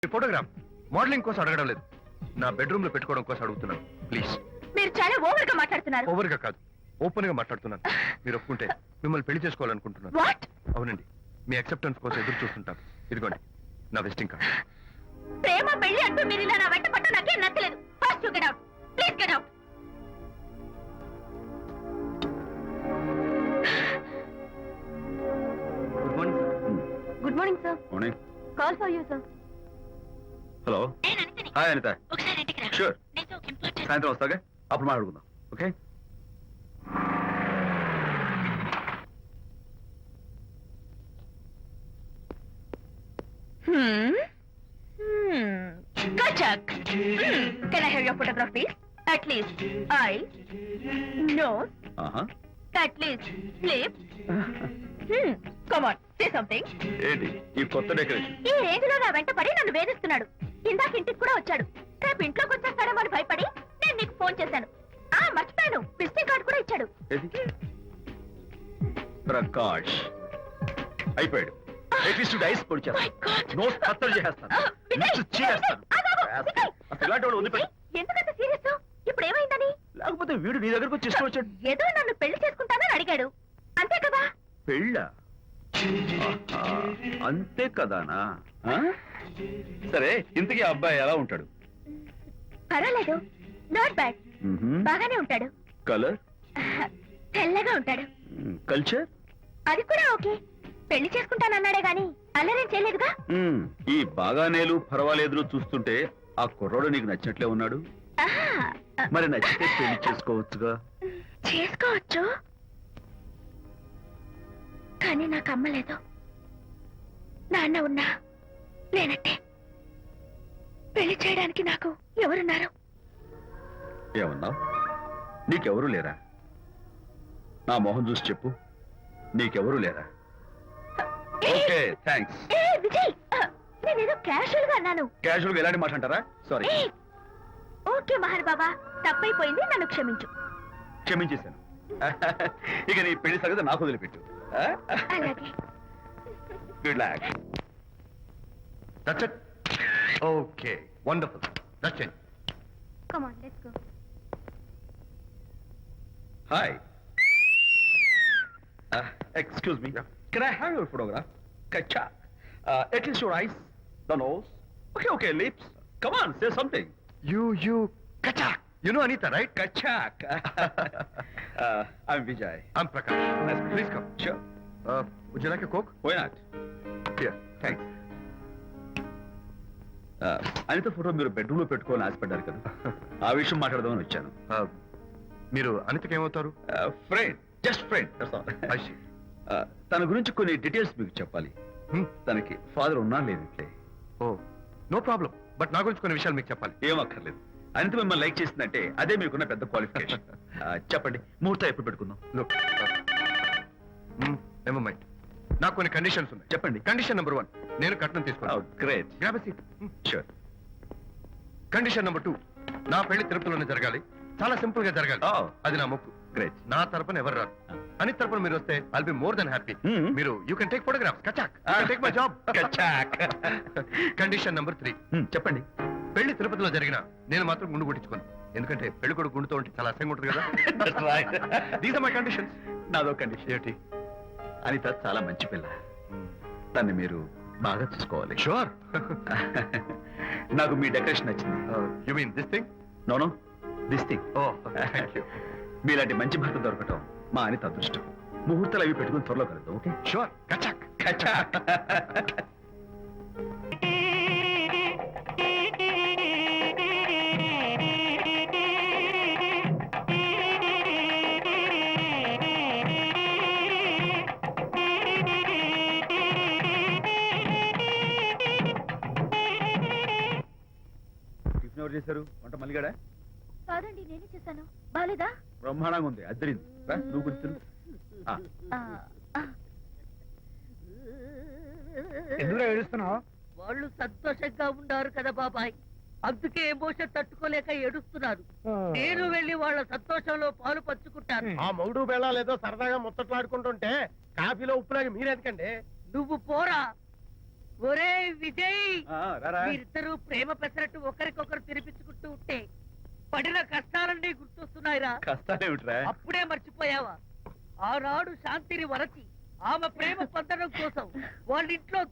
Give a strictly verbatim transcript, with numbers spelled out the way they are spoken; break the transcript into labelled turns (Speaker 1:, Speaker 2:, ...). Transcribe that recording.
Speaker 1: Photograph modelling కోసం అడగడం లేదు, నా బెడ్రూమ్ లో పెట్టుకోవడం కోసం అడుగుతున్నాను. ప్లీజ్.
Speaker 2: మీరు చాలా ఓవర్ గా మాట్లాడుతున్నారు.
Speaker 1: ఓవర్ గా కాదు, ఓపెన్ గా మాట్లాడుతున్నాను. మీరు ఒప్పుకుంటే మిమ్మల్ని పెళ్లి చేసుకోవాలనుకుంటున్నాను.
Speaker 2: వాట్?
Speaker 1: అవునండి, మీ అక్సెప్టెన్స్ కోసం ఎదురు చూస్తుంటాను. ఇదిగోండి నా విజిటింగ్ కార్డ్.
Speaker 2: ప్రేమ పెళ్లి అంటూ మీరు ఇలా నా వెంట పట్ట నాకేం నచ్చలేదు. First you get out, please get out.
Speaker 1: Good morning sir.
Speaker 2: Good morning sir.
Speaker 3: Morning.
Speaker 2: Call for you sir.
Speaker 3: Hello. Hi Anita.
Speaker 2: ఒకసారి ఇంటికి రా.
Speaker 3: షూర్.
Speaker 2: నేను ఒక ఇంపార్టెంట్.
Speaker 3: సాయంత్రం వస్తాగా, అప్పుడు మాట్లాడుకుందాం. Okay.
Speaker 2: Hmm. Hmm. Kachak. Hmm. Can I have your photograph, please? At least eyes, nose,
Speaker 3: ఆహా.
Speaker 2: at least lips. Hmm. Come on, say something.
Speaker 3: ఏంటి ఈ కొత్త డెకరేషన్?
Speaker 2: ఈ రేంజ్ లో నా వెంట పడి నన్ను వేధిస్తున్నాడు. ఇందాక ఇంటికి కూడా వచ్చాడు. రేపు ఇంట్లోకి వచ్చేస్తాడేమో అని భయపడి నేను నీకు ఫోన్ చేశాను. ఆ మర్చిపోయాను, విజిటింగ్ కార్డు కూడా ఇచ్చాడు.
Speaker 3: ఏది? ప్రకాష్ అయిపోయాడు. ఎట్లీస్ట్ డైస్ పొడి
Speaker 2: My God.
Speaker 3: నోస్ కత్తలు చేస్తాను.
Speaker 2: Ah, Vijay,
Speaker 3: Lips చేస్తాను.
Speaker 2: ఆగు, ఆగు, Vijay.
Speaker 3: అసలు ఇలాంటి వాడు వదిలిపెట్టు.
Speaker 2: Vijay, ఎందుకంత సీరియస్? ఇప్పుడు ఏమైందని?
Speaker 3: లేకపోతే వీడు నీ దగ్గరకు వచ్చి ఇష్టం వచ్చాడు.
Speaker 2: ఏదో నన్ను పెళ్లి చేసుకుంటానని అడిగాడు, అంతే కదా?
Speaker 3: పెళ్ళా? ఆహా, అంతే కదానా? ఆ? సరే, ఇంతకీ ఆ అబ్బాయి ఎలా ఉంటాడు?
Speaker 2: పర్వాలేదు, నాట్ బ్యాడ్, బాగానే ఉంటాడు.
Speaker 3: కలర్?
Speaker 2: తెల్లగా ఉంటాడు.
Speaker 3: కల్చర్?
Speaker 2: అది కూడా ఓకే. పెళ్లి చేసుకుంటానన్నాడే గాని అల్లరేం చేయలేదుగా.
Speaker 3: ఈ బాగానేలు పర్వాలేదు చూస్తుంటే ఆ కుర్రోడు నీకు నచ్చినట్లే ఉన్నాడు.
Speaker 2: ఆహా,
Speaker 3: మరి నచ్చితే పెళ్లి చేసుకోవచ్చుగా.
Speaker 2: చేసుకోవచ్చు, కానీ నాకు అమ్మ లేదు, నాన్న ఉన్నా లేనట్టే. పెళ్లి చేయడానికి నాకు ఎవరున్నారు?
Speaker 3: ఏమన్నావు? నీకెవరూ లేరా? నా మొహం చూసి చెప్పు, నీకెవరూ లేరా? Okay, thanks.
Speaker 2: ఏ విజయ్, నేనేదో క్యాషువల్ గా అన్నాను.
Speaker 3: క్యాజువల్ గా ఎలాంటి మాట అంటారా? సారీ.
Speaker 2: ఏ, ఓకే మహర్ బాబా, తప్పైపోయింది, నన్ను క్షమించు.
Speaker 3: క్షమించేశాను. ఇక నీ పెళ్లి సంగతి నాకు వదిలిపెట్టు.
Speaker 2: అలాగే.
Speaker 3: Good luck.
Speaker 1: That's it. Okay, wonderful. That's it.
Speaker 2: Come on, let's go.
Speaker 3: Hi. Excuse me, can I have your photograph? కచ్చా. At least your eyes, the nose. Okay okay, lips. Come on, say something.
Speaker 1: You, you, Kachak. You know Anita, right?
Speaker 3: Kachak. uh, I'm Vijay.
Speaker 1: I'm Prakash.
Speaker 3: Nice.
Speaker 1: Please come.
Speaker 3: Sure.
Speaker 1: Uh, would you like a Coke?
Speaker 3: Why not?
Speaker 1: Here.
Speaker 3: Thanks. Uh, Anita photo మీరు bedroom లో పెట్టుకోవాలని ఆశపడ్డారు కదా, ఆ విషయం మాట్లాడదామని వచ్చాను.
Speaker 1: Uh, మీరు అనితకి ఏమవుతారు?
Speaker 3: Friend, just friend.
Speaker 1: I see.
Speaker 3: తన గురించి కొన్ని డీటెయిల్స్ మీకు చెప్పాలి.
Speaker 1: Hmm?
Speaker 3: తనకి ఫాదర్ ఉన్నా లేదంటే?
Speaker 1: Oh, no problem. బట్ నా గురించి కొన్ని విషయాలు మీకు చెప్పాలి.
Speaker 3: ఏం అక్కర్లేదు. అనిత మిమ్మల్ని లైక్ చేసిందంటే అదే మీకున్న పెద్ద క్వాలిఫికేషన్. చెప్పండి, ముహూర్తం ఎప్పుడు పెట్టుకుందాం?
Speaker 1: Look. Never mind. నాకు కొన్ని కండిషన్స్ ఉన్నాయి.
Speaker 3: చెప్పండి.
Speaker 1: కండిషన్ నెంబర్ వన్, నేను కట్నం తీసుకున్నాను.
Speaker 3: Great.
Speaker 1: Grab a seat.
Speaker 3: Sure.
Speaker 1: Condition number two, నా పెళ్లి తిరుపతిలోనే జరగాలి, చాలా సింపుల్ గా జరగాలి.
Speaker 3: Oh.
Speaker 1: అది నా మొక్కు.
Speaker 3: గ్రేట్.
Speaker 1: నా తరపున ఎవరు రారు. అని తరపున మీరు వస్తే I'll be more than happy.
Speaker 3: Hmm.
Speaker 1: మీరు యూ కెన్ టేక్ ఫోటోగ్రాఫ్స్. కచాక్. Take my job.
Speaker 3: కచాక్.
Speaker 1: కండిషన్ నెంబర్ త్రీ,
Speaker 3: చెప్పండి.
Speaker 1: పెళ్లి తిరుపతిలో జరిగిన నేను మాత్రం గుండు కొట్టించుకోను. ఎందుకంటే పెళ్లి కొడుకు గుండుతో ఉంటే చాలా అసహ్యంగా ఉంటుంది కదా. These are my conditions.
Speaker 3: నాదో కండిషన్. ఏంటి? అనిత చాలా మంచి పిల్ల, తన్ని మీరు బాగా చూసుకోవాలి.
Speaker 1: షూర్.
Speaker 3: నాకు మీ డెకరేషన్ నచ్చింది.
Speaker 1: You mean this thing?
Speaker 3: No no, this thing.
Speaker 1: Oh thank you.
Speaker 3: మీలాంటి మంచి భర్త దొరకటం మా అనిత అదృష్టం. ముహూర్తాలు అవి పెట్టుకుని త్వరలో కలుద్దాం. ఓకే?
Speaker 1: షూర్. కచాక్.
Speaker 3: కచాక్. టిఫిన్ ఎవరు చేశారు? వంట మల్లిగాడా?
Speaker 2: కాదండి, నేనే చేశాను. బాలేదా?
Speaker 3: బ్రహ్మాండంగా ఉంది, అద్దరింది. రా, నువ్వు గుర్తు.
Speaker 4: ఎందుకు ఏడుస్తున్నావు?
Speaker 5: వాళ్ళు సంతోషంగా ఉన్నారు కదా బాబాయ్, అందుకే ఎమోషన్ తట్టుకోలేక ఏడుస్తున్నారు. నేను వెళ్ళి వాళ్ళ సంతోషంలో పాలు పంచుకుంటాను.
Speaker 4: ఆ మౌడు బెళ్ళాలు ఏదో సరదాగా ముచ్చట్లాడుకుంటుంటే కాఫీలో ఉప్పులాగా మీరెందుకండి?
Speaker 5: నువ్వు పోరా. ఒరే విజయ్,
Speaker 3: ఆ, రారా.
Speaker 5: మీరిద్దరూ ప్రేమ పెసరట్టు ఒకరికొకరు తినిపించుకుంటూ ఉంటే పడిన కష్టాలన్నీ గుర్తొస్తున్నాయిరా.
Speaker 3: కష్టాలేమిట్రా?
Speaker 5: అప్పుడే మర్చిపోయావా? ఆనాడు శాంతిని వరచి ఆమె ప్రేమ పొందడం కోసం వాళ్ళ ఇంట్లో